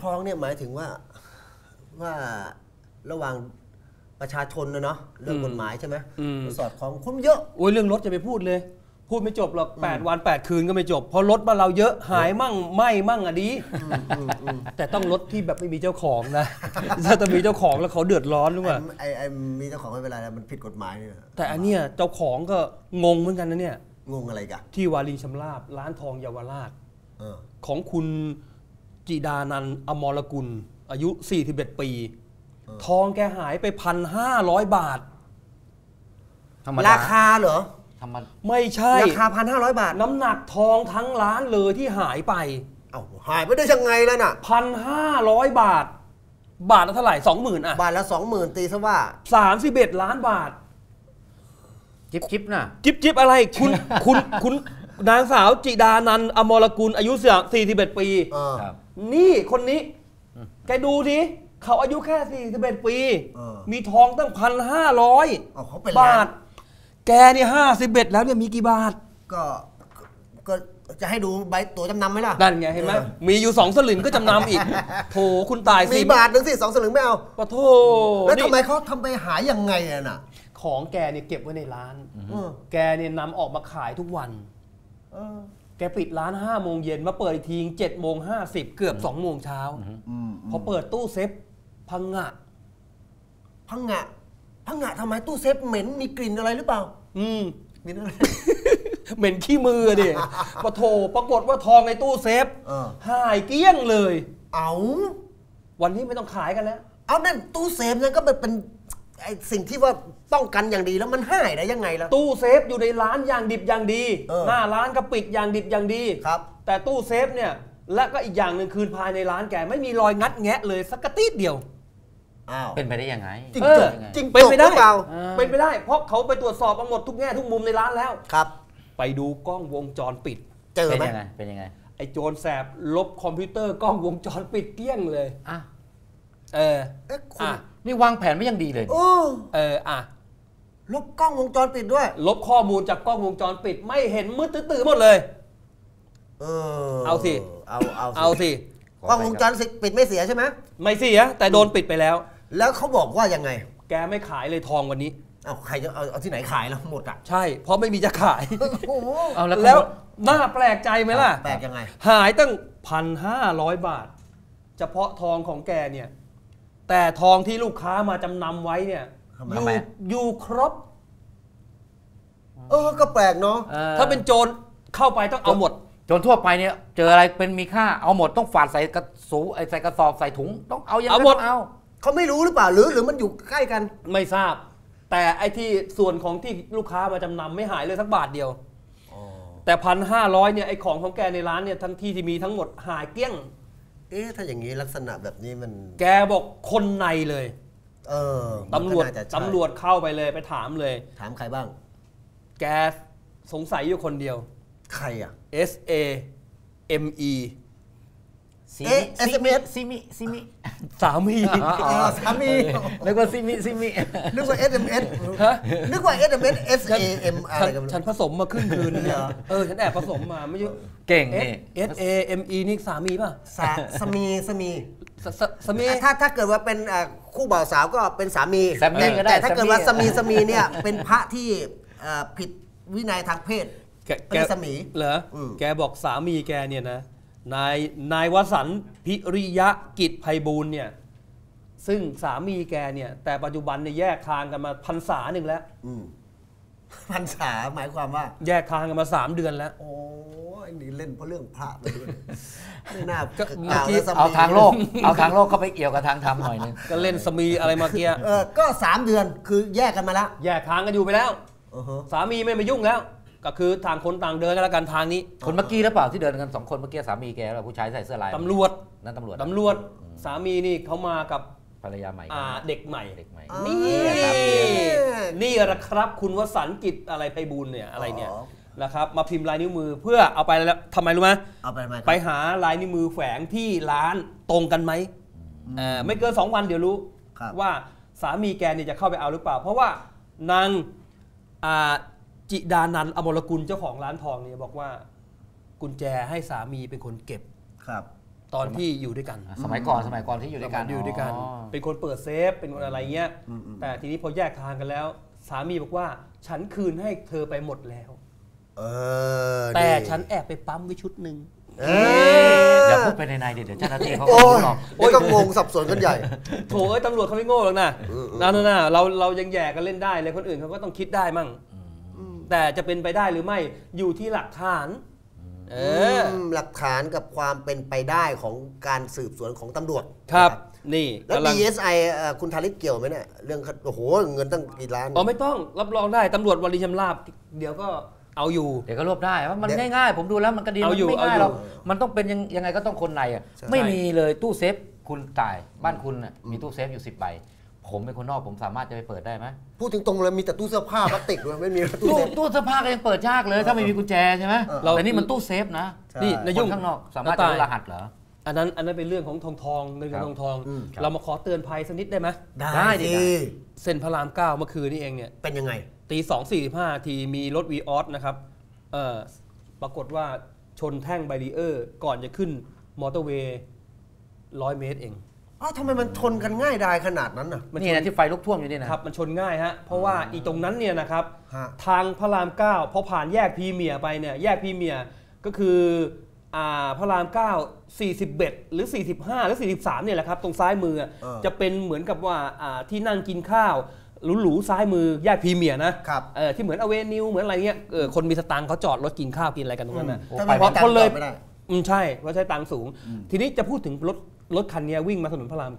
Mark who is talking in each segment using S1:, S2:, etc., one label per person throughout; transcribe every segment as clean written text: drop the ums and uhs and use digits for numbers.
S1: คล้องเนี่ยหมายถึงว่าระหว่างประชาชนนะเนาะเรื่องกฎหมายใช่ไหมสอดคล้องคนเยอะ
S2: โอ้ยเรื่องรถจะไปพูดเลยพูดไม่จบหรอก8 วัน 8 คืนก็ไม่จบเพราะรถบ้านเราเยอะหายมั่งไหม้มั่งอ่ะดีแต่ต้องรถที่แบบไม่มีเจ้าของนะถ้าจะมีเจ้าของแล้วเขาเดือดร้อนหรือเปล่า
S1: ไอ้มีเจ้าของไม่เป็นไรมันผิดกฎหมายเนี่ย
S2: แต่อันเนี้ยเจ้าของก็งงเหมือนกันนะเนี่ย
S1: งงอะไรกัน
S2: ที่วารีชำราบร้านทองเยาวราชของคุณจิดานันท์อมรกุลอายุ41 ปีทองแกหายไป1,500 บาท
S1: ราคาเหรอ
S2: ไม่ใช่
S1: ราคา1,500 บาท
S2: น้ำหนักทองทั้งร้านเลยที่หายไป
S1: หายไปได้ยังไงแล้วน่ะ
S2: 1,500 บาทบาทละเท่าไหร่ 20,000 อ่ะ
S1: บาทละ 20,000 ตีซะว่า
S2: 31 ล้านบาท
S3: จิ๊บนะ
S2: จิ๊บอะไรคุณนางสาวจิดานันท์อมรกุลอายุ41 ปีนี่คนนี้แกดูดิเขาอายุแค่41 ปีมีทองตั้ง1,500 บาทแกเนี่ย51แล้วเนี่ยมีกี่บาท
S1: ก็จะให้ดูใบตั๋วจำนำไหมล่ะ
S2: นั่นไงเห็นไหมมีอยู่2 สลึงก็จำนำอีกโถคุณตาย
S1: สิมีบาทนึงสิ2 สลึงไม่เอา
S2: ปะโถ
S1: แล้วทำไมเขาทำไปหายยังไงน่ะ
S2: ของแกเนี่ยเก็บไว้ในร้านแกเนี่ยนำออกมาขายทุกวันแกปิดร้าน5 โมงเย็นมาเปิดอีกที7:50เกือบ2 โมงเช้าพอเปิดตู้เซฟพังงะ
S1: ทำไมตู้เซฟเหม็นมีกลิ่นอะไรหรือเปล่า
S2: เหม็นอะไรเหม็นขี้มือดิปะโถปรากฏว่าทองในตู้เซฟหายเกลี้ยงเลยวันนี้ไม่ต้องขายกันแล้ว
S1: นั่นตู้เซฟนั่นก็เป็นไอ้สิ่งที่ว่าป้องกันอย่างดีแล้วมันหายได้ยังไงล่ะ
S2: ตู้เซฟอยู่ในร้านอย่างดิบอย่างดีหน้าร้านก็ปิดอย่างดิบอย่างดี
S1: ครับ
S2: แต่ตู้เซฟเนี่ยและก็อีกอย่างหนึ่งคืนภายในร้านแกไม่มีรอยงัดแงะเลยสักกระติดเดียว
S3: เป็นไปได้ยังไง
S1: จริง
S2: เป็นไปได้เป็นไปได้เพราะเขาไปตรวจสอบมาหมดทุกแง่ทุกมุมในร้านแล้ว
S1: ครับ
S2: ไปดูกล้องวงจรปิด
S1: เจอไหม
S3: เป็นยังไง
S2: ไอ้โจรแสบลบคอมพิวเตอร์กล้องวงจรปิดเกลี้ยงเลย
S3: นี่วางแผนไม่ยังดีเลย
S1: ลบกล้องวงจรปิดด้วย
S2: ลบข้อมูลจากกล้องวงจรปิดไม่เห็นมืดตื้อหมดเลยเอาสิ
S1: กล้องวงจรปิดไม่เสียใช่ไหม
S2: ไม่เสียแต่โดนปิดไปแล้ว
S1: แล้วเขาบอกว่ายังไง
S2: แกไม่ขายเลยทองวันนี้
S1: ใครจะเอาที่ไหนขายแล้วหมด
S2: ใช่เพราะไม่มีจะขายแล้วน่าแปลกใจไหมล่ะ
S1: แปลกยังไง
S2: หายตั้ง1,500 บาทเฉพาะทองของแกเนี่ยแต่ทองที่ลูกค้ามาจำนำไว้เนี่ยอยู่ครบ
S1: ก็แปลกเนาะ
S2: ถ้าเป็นโจรเข้าไปต้องเอาหมด
S3: โจรทั่วไปเนี่ยเจออะไรเป็นมีค่าเอาหมดต้องฝาดใส่กระสูใส่กระสอบใส่ถุงต้องเอาอย่างนั้นเอา
S1: เขาไม่รู้หรือเปล่าหรือมันอยู่ใกล้กัน
S2: ไม่ทราบแต่ไอ้ที่ส่วนของที่ลูกค้ามาจำนำไม่หายเลยสักบาทเดียวแต่1,500เนี่ยไอ้ของแกในร้านเนี่ยทั้งที่มีทั้งหมดหายเกลี้ยง
S1: ถ้าอย่างนี้ลักษณะแบบนี้มัน
S2: แกบอกคนในเลยตำรวจเข้าไปเลยไปถามเลย
S1: ถามใครบ้าง
S2: แกสงสัยอยู่คนเดียว
S1: ใครอ่ะ
S2: SAME
S3: ซิมิ
S2: สามี
S3: นึกว่าซิมิ
S1: นึกว่า SMS นึกว่า SMS SAM อะไรกัน
S2: ฉันผสมมาครึ่งคืนเนี่ยฉันแอบผสมมาไม่ใช่
S3: เก่งนี่
S2: SAME นี่สามีป่ะ
S1: สามีถ้าเกิดว่าเป็นคู่บ่าวสาวก็เป็นสามีแต่ถ้าเกิดว่าสามีเนี่ยเป็นพระที่ผิดวินัยทางเพศเป็นสามี
S2: เหรอแกบอกสามีแกเนี่ยนะนายวสันต์พิริยะกิจไพบูลย์เนี่ยซึ่งสามีแกเนี่ยแต่ปัจจุบันเนี่ยแยกทางกันมาพรรษาหนึ่งแล้ว
S1: พรรษาหมายความว่า
S2: แยกทางกันมา3 เดือนแล้ว
S1: โอ้ยนี่เล่นเพราะเรื่องพระไปด้วยไม่น่า
S3: เอาทางโลกเข้าไปเกี่ยวกับทางธรรมหน่อยนึง
S2: ก็เล่นสมีอะไรมาเกี้ย
S1: ก็3 เดือนคือแยกกันมาแล้ว
S2: แยกทางกันอยู่ไปแล้วสามีไม่มายุ่งแล้วก็คือต่างคนต่างเดินกันแล้วกันทางนี้
S3: คนเมื่อกี้หรือเปล่าที่เดินกัน2 คนเมื่อกี้สามีแกแล้วผู้ชายใส่เสื้อลาย
S2: ตำรวจ
S3: นั่นตำรวจ
S2: สามีนี่เขามากับ
S3: ภรรยาใหม่
S2: เด็กใหม่นี่แหละครับคุณวสันต์กิจอะไรไพบูลย์เนี่ยอะไรเนี่ยนะครับมาพิมพ์ลายนิ้วมือเพื่อเอาไปแล้วทำไมรู้ไหมไปหาลายนิ้วมือแฝงที่ร้านตรงกันไหมไม่เกิน2 วันเดี๋ยวรู้ว่าสามีแกเนี่ยจะเข้าไปเอาหรือเปล่าเพราะว่านางจิดานันท์อมรกุลเจ้าของร้านทองเนี่ยบอกว่ากุญแจให้สามีเป็นคนเก็บ
S1: ครับ
S2: ตอนที่อยู่ด้วยกัน
S3: สมัยก่อนที่อยู่ด้วยกัน
S2: เป็นคนเปิดเซฟเป็นคนอะไรเงี้ยแต่ทีนี้พอแยกทางกันแล้วสามีบอกว่าฉันคืนให้เธอไปหมดแล้วแต่ฉันแอบไปปั๊มไว้ชุดหนึ่ง
S3: อย่าพูดไปในเดี๋ยวเจ้าหน้าที่เขา
S1: หรอกก็งงสับสนกันใหญ่
S2: โถตำรวจเขาไม่โง่หรอกนะเรายังแย่กันเล่นได้เลยคนอื่นเขาก็ต้องคิดได้มั่งแต่จะเป็นไปได้หรือไม่อยู่ที่หลักฐาน
S1: หลักฐานกับความเป็นไปได้ของการสืบสวนของตำรวจ
S2: ครับนี่
S1: แล้ว DSI คุณธาริศเกี่ยวไหมเนี่ยเรื่องโอ้โหเงินตั้งกี่ล้าน
S2: ไม่ต้องรับรองได้ตำรวจวลีชำราบเดี๋ยวก็เอาอยู่
S3: เดี๋ยวก็รวบได้ว่ามันง่ายๆผมดูแล้วมันก็ดีมันไม่ง่ายหรอกมันต้องเป็นยังไงก็ต้องคนในอ่ะไม่มีเลยตู้เซฟคุณตายบ้านคุณมีตู้เซฟอยู่10 ใบผมเป็นคนนอกผมสามารถจะไปเปิดได้ไหม
S1: พูดถึงตรงเลยมีแต่ตู้เสื้อผ้าพลาสติกเลยไม่มี
S3: ตู้เสื้อผ้าก็ยังเปิดยากเลยถ้าไม่มีกุญแจใช่ไหมแต่นี่มันตู้เซฟนะ
S2: นี่ในยุ่ง
S3: ข้างนอกสามารถจะรู้รหัสเหรอ
S2: อันนั้นเป็นเรื่องของทองเงินกับทองเรามาขอเตือนภัยสักนิดได้ไหม
S1: ได้ดิ
S2: เส้นพระราม 9เมื่อคืนนี้เองเนี่ย
S1: เป็นยังไง
S2: ตี 2:45 ทีมีรถวีออสนะครับปรากฏว่าชนแท่งแบรีเออร์ก่อนจะขึ้นมอเตอร์เวย์100 เมตรเอง
S1: ทำไมมันชนกันง่ายดายขนาดนั้น
S3: นี่นะที่ไฟลุกท่วมอยู่นี่
S2: นะครับมันชนง่ายฮะเพราะว่าอีตรงนั้นเนี่ยนะครับทางพระราม 9พอผ่านแยกพรีเมียร์ไปเนี่ยแยกพรีเมียร์ก็คือพระราม 9 41หรือ45หรือ43เนี่ยแหละครับตรงซ้ายมือจะเป็นเหมือนกับว่าที่นั่งกินข้าวหรูๆซ้ายมือแยกพรีเมียร์นะที่เหมือนอเวนิวเหมือนอะไรเงี้ยคนมีสตางค์เขาจอดรถกินข้าวกินอะไรกันตรงนั้นนะเพราะคนเลยใช่เพราะใช้ตังค์สูงทีนี้จะพูดถึงรถคันนี้วิ่งมาถนนพระราม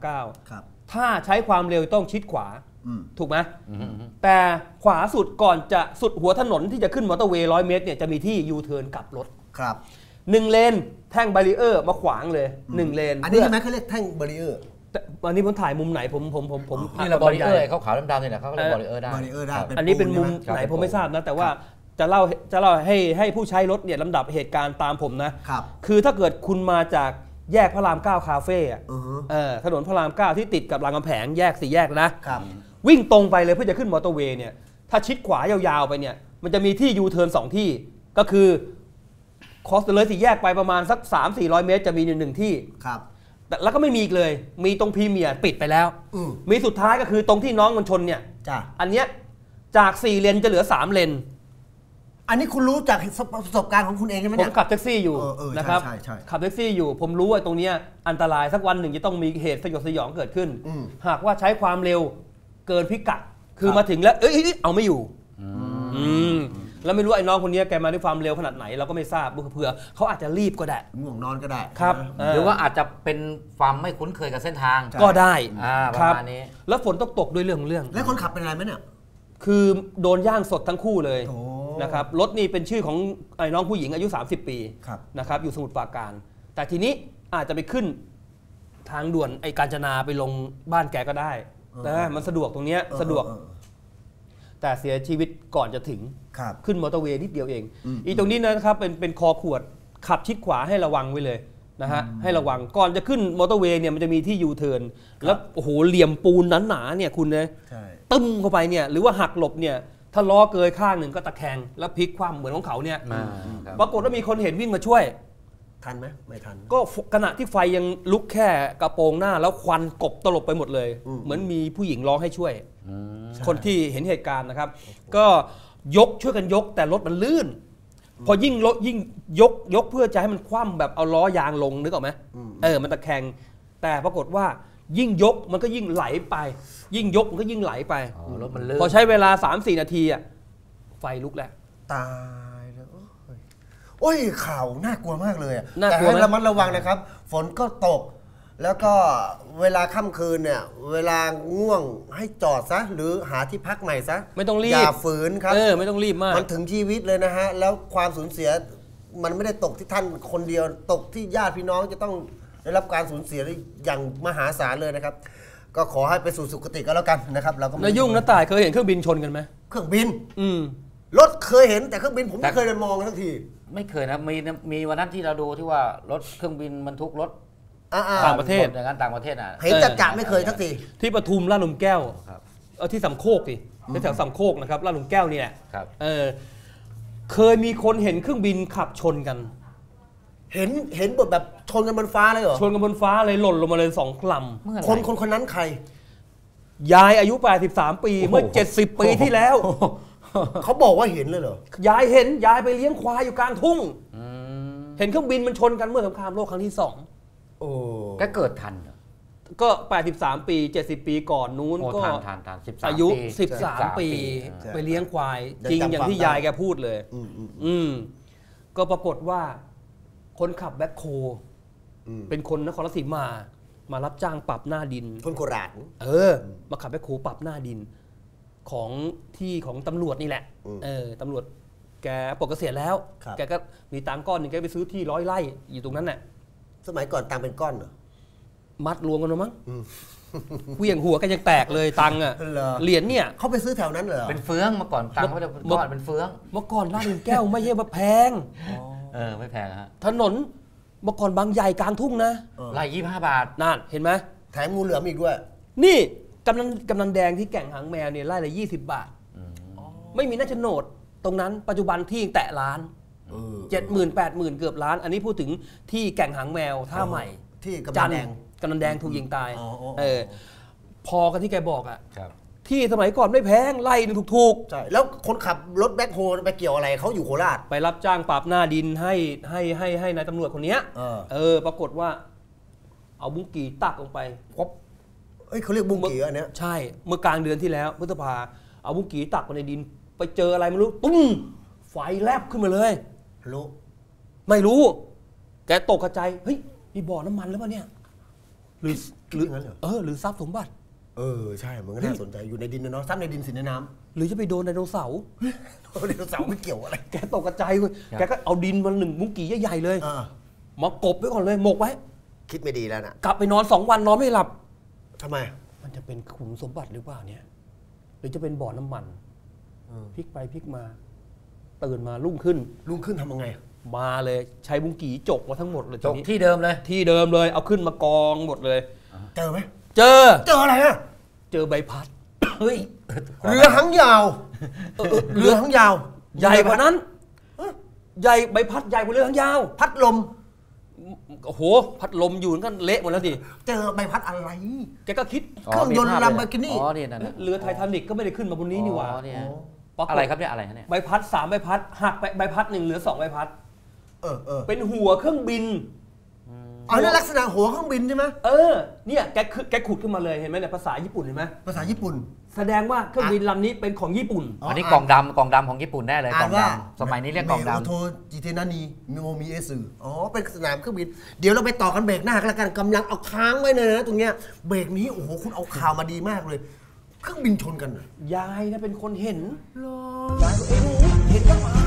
S2: 9ถ้าใช้ความเร็วต้องชิดขวาถูกไหมแต่ขวาสุดก่อนจะสุดหัวถนนที่จะขึ้นมอเตอร์เวย์100 เมตรเนี่ยจะมีที่ยูเทิร์นกลับรถ
S1: ครับ
S2: 1 เลนแท่งแบรีเออร์มาขวางเลย1 เลน
S1: อันนี้ใช่ไหมเขาเรียกแท่งแบรีเออร์
S2: อันนี้ผมถ่ายมุมไหนผม
S3: นี่เราบริเออร์เขาขาวดำๆนี่แหละเขาเรียกบริเออร์ได้
S2: อันนี้เป็นมุมไหนผมไม่ทราบนะแต่ว่าจะเล่าให้ผู้ใช้รถเนี่ยลำดับเหตุการณ์ตามผมนะคือถ้าเกิดคุณมาจากแยกพระราม 9 คาเฟ่ถนนพระราม 9 ที่ติดกับรามคำแหงแยก4 แยกนะวิ่งตรงไปเลยเพื่อจะขึ้นมอเตอร์เวย์เนี่ยถ้าชิดขวายาวๆไปเนี่ยมันจะมีที่ยูเทิร์น2 ที่ก็คือคอสเลย4 แยกไปประมาณสัก 300-400 เมตรจะมี1 ที่แต่แล้วก็ไม่มีอีกเลยมีตรงพรีเมียร์ปิดไปแล้วมีสุดท้ายก็คือตรงที่น้องมันชนเนี่ยอันเนี้ยจาก4 เลนจะเหลือ3 เลน
S1: อันนี้คุณรู้จากประสบการณ์ของคุณเองใช่ไหม
S2: เนี่ยผมขับแท็กซี่อยู่นะครับขับแท็กซี่อยู่ผมรู้ว่าตรงนี้อันตรายสักวันหนึ่งจะต้องมีเหตุสยดสยองเกิดขึ้นหากว่าใช้ความเร็วเกินพิกัดคือมาถึงแล้วเอาไม่อยู่แล้วไม่รู้ไอ้น้องคนนี้แกมาด้วยความเร็วขนาดไหนเราก็ไม่ทราบเผื่อเขาอาจจะรีบก็ได้
S1: ง่วงนอนก็ได้
S2: ครับ
S3: หรือว่าอาจจะเป็นความไม่คุ้นเคยกับเส้นทาง
S2: ก็ได้
S3: ประมาณนี้
S2: แล้วฝนตกด้วยเรื่อง
S1: แล้วคนขับเป็นอะไรไหมเนี่ย
S2: คือโดนย่างสดทั้งคู่เลยนะครับรถนี่เป็นชื่อของไอ้น้องผู้หญิงอายุ30 ปีนะครับอยู่สมุทรปราการแต่ทีนี้อาจจะไปขึ้นทางด่วนไอ้กาญจนาไปลงบ้านแกก็ได้นะมันสะดวกตรงนี้สะดวกแต่เสียชีวิตก่อนจะถึงขึ้นมอเตอร์เวย์นิดเดียวเองอีตรงนี้นะครับเป็นคอขวดขับชิดขวาให้ระวังไว้เลยนะฮะให้ระวังก่อนจะขึ้นมอเตอร์เวย์เนี่ยมันจะมีที่ยูเทิร์นแล้วโอ้โหเหลี่ยมปูนหนาๆเนี่ยคุณนะตึ้มเข้าไปเนี่ยหรือว่าหักหลบเนี่ยถ้าล้อเกยข้างหนึ่งก็ตะแคงแล้วพลิกคว่ำเหมือนของเขาเนี่ยปรากฏว่ามีคนเห็นวิ่งมาช่วย
S1: ทันไหมไม่ทัน
S2: ก็ขณะที่ไฟยังลุกแค่กระโปรงหน้าแล้วควันกบตลบไปหมดเลยเหมือนมีผู้หญิงร้องให้ช่วยคนที่เห็นเหตุการณ์นะครับก็ช่วยกันยกแต่รถมันลื่นพอยิ่งยกเพื่อจะให้มันคว่ำแบบเอาล้อยางลงนึกออกไหมมันตะแคงแต่ปรากฏว่ายิ่งยกมันก็ยิ่งไหลไปยิ่งยกมันก็ยิ่งไหลไป
S3: รถมันลื่น
S2: พอใช้เวลา 3-4 นาทีไฟลุกแล้ว
S1: ตายแล้วโอ้ยข่าวน่ากลัวมากเลยแต่ให้ระมัดระวังนะครับฝนก็ตกแล้วก็เวลาค่ำคืนเนี่ยเวลาง่วงให้จอดซะหรือหาที่พักใหม่ซะ
S2: ไม่ต้องรีบ
S1: อย่าฝืนครับ
S2: ไม่ต้องรีบมาก
S1: มันถึงชีวิตเลยนะฮะแล้วความสูญเสียมันไม่ได้ตกที่ท่านคนเดียวตกที่ญาติพี่น้องจะต้องได้รับการสูญเสียอย่างมหาศาลเลยนะครับก็ขอให้ไปสู่สุคติก็แล้วกันนะครับเราก็
S2: นายยุ่งนะต่ายเคยเห็นเครื่องบินชนกันไหม
S1: เครื่องบินรถเคยเห็นแต่เครื่องบินผมไม่เคยได้มองทั้งที
S3: ไม่เคยนะมีวันนั้นที่เราดูที่ว่ารถเครื่องบินบรรทุกรถ
S2: ต่างประเทศ
S3: อย่างนั้นต่างประเทศ
S1: เห็นจัดไม่เคยทั้งที
S2: ที่ปทุมลาดหลุมแก้วที่สำโคกสิที่แถวสำโคกนะครับลาดหลุมแก้วนี่แหละเคยมีคนเห็นเครื่องบินขับชนกัน
S1: เห็นบทแบบชนกันบนฟ้าเลยเหรอ
S2: ชนกันบนฟ้าเลยหล่นลงมาเลย2 ล
S1: ำคนนั้นใคร
S2: ยายอายุ83 ปีเมื่อ70 ปีที่แล้ว
S1: เขาบอกว่าเห็นเลยเหร
S2: อยายเห็นยายไปเลี้ยงควายอยู่กลางทุ่งเห็นเครื่องบินมันชนกันเมื่อสงครามโลกครั้งที่2
S1: โอ้
S3: แกเกิดทันเหรอ
S2: ก็83 ปี70 ปีก่อนนู้นก็
S3: ทัน
S2: อายุ13 ปีไปเลี้ยงควายจริงอย่างที่ยายแกพูดเลยก็ปรากฏว่าคนขับแบ็คโฮเป็นคนนครราชสีมารับจ้างปรับหน้าดิน
S1: คนโคราช
S2: มาขับแบ็คโฮปรับหน้าดินของตำรวจนี่แหละตำรวจแกปลดเกษียณแล้วแกก็มีตังก้อนหนึ่งแกไปซื้อที่100 ไร่อยู่ตรงนั้นแหละ
S1: สมัยก่อนตังเป็นก้อนเหรอ
S2: มัดรวมกันมั้งเหวี่ยงหัวกันยังแตกเลยตังอ่ะเหรียญเนี่ย
S1: เขาไปซื้อแถวนั้นเหรอ
S3: เป็นเฟืองเมื่อก่อนตังไม่ได้เป็นก้อนเป็นเฟือง
S2: เมื่อก่อนลาดหลุมแก้วไม่ใช่ว่าแพง
S3: ไม่แพงฮะ
S2: ถนนเมื่อก่อนบางใหญ่กลางทุ่งนะ
S3: ไร่25 บาท
S2: นั่นเห็นไหม
S1: แถมงูเหลือมอีกด้วย
S2: นี่กำนันแดงที่แก่งหางแมวเนี่ยไร่ละ20 บาทไม่มีหน้าโฉนดตรงนั้นปัจจุบันที่แตะล้าน70,000 80,000เกือบล้านอันนี้พูดถึงที่แก่งหางแมวท่าใหม่
S1: ที่กำนัน
S2: แดงถูกยิงตายพอกันที่แกบอกอ่ะที่สมัยก่อนไม่แพงไล่ถูก
S1: ใช่แล้วคนขับรถแบ็คโฮไปเกี่ยวอะไรเขาอยู่โคราช
S2: ไปรับจ้างปรับหน้าดินให้นายตำรวจคนนี้ปรากฏว่าเอาบุ้งกี่ตักลงไป
S1: เขาเรียกบุ้งกี่อันเนี้ย
S2: ใช่เมื่อกลางเดือนที่แล้วพฤษภาเอาบุ้งกี่ตักไปในดินไปเจออะไรไม่รู้ตุ้มไฟแลบขึ้นมาเลยไม่รู้แกตกใจเฮ้ยมีบ่อน้ำมันหรือเปล่าเนี่ยหรือทรัพย์สมบัติ
S1: ใช่มันก็น่าสนใจอยู่ในดินนะเนาะทรัพย์ในดินสินในน้
S2: ำหรือจะไปโดนไดโนเสาร์
S1: ไดโนเสาร์ไม่เกี่ยวอะไร
S2: แกตกใจเลยแกก็เอาดินมา1 มุ้งกี่ใหญ่ๆเลยมากบไว้ก่อนเลยหมกไว้
S1: คิดไม่ดีแล้วนะ
S2: กลับไปนอน2 วันนอนไม่หลับ
S1: ทำไม
S2: มันจะเป็นขุมสมบัติหรือเปล่าเนี่ยหรือจะเป็นบ่อน้ำมันพลิกไปพลิกมาตื่นมารุ่งขึ้น
S1: ทำยังไง
S2: มาเลยใช้บุ้งกี่จกมาทั้งหมดเลย
S3: จกที่เดิม
S2: เลยเอาขึ้นมากองหมดเลย
S1: เจอไหม
S2: เจอ
S1: อะไรอะ
S2: เจอใบพัดเฮ้ย
S1: เรือหางยาวเรือหางยาว
S2: ใหญ่กว่านั้นใหญ่ใบพัดใหญ่กว่าเรือหางยาว
S1: พัดลม
S2: โอ้โหพัดลมอยู่ก็เละหมดแล้วดิ
S1: เจอใบพัดอะไร
S2: แกก็คิด
S1: เครื่องยนต์ลัมโบกินี่
S2: เรือไททานิคก็ไม่ได้ขึ้นมาบนนี้นี่หว่า
S3: อะไรครับเนี่ยอะไรเนี่ย
S2: ใบพัด3 ใบพัดหักไปใบพัด1เหลือ2 ใบพัดเป็นหัวเครื่องบิน
S1: นั่นลักษณะหัวเครื่องบินใช่ไหม
S2: เนี่ยแกขุดขึ้นมาเลยเห็นไหมเนี่ยภาษาญี่ปุ่นเห็นไหม
S1: ภาษาญี่ปุ่น
S2: แสดงว่าเครื่องบินลำนี้เป็นของญี่ปุ่น
S3: อันนี้กล่องดำของญี่ปุ่นแน่เลยกล่องดำสมัยนี้เรียกกล่องดำ
S1: โอโทจิเทนานีมิโมมิเอสึเป็นสนามเครื่องบินเดี๋ยวเราไปต่อกันเบรกหน้ากันกำลังเอาค้างไว้เลยนะตรงเนี้ยเบรกนี้โอ้โหคุณเอาข่าวมาดีมากเลยเครื่องบินชนกัน
S2: ยายนะเป็นคนเห็นยายเห็นกับตา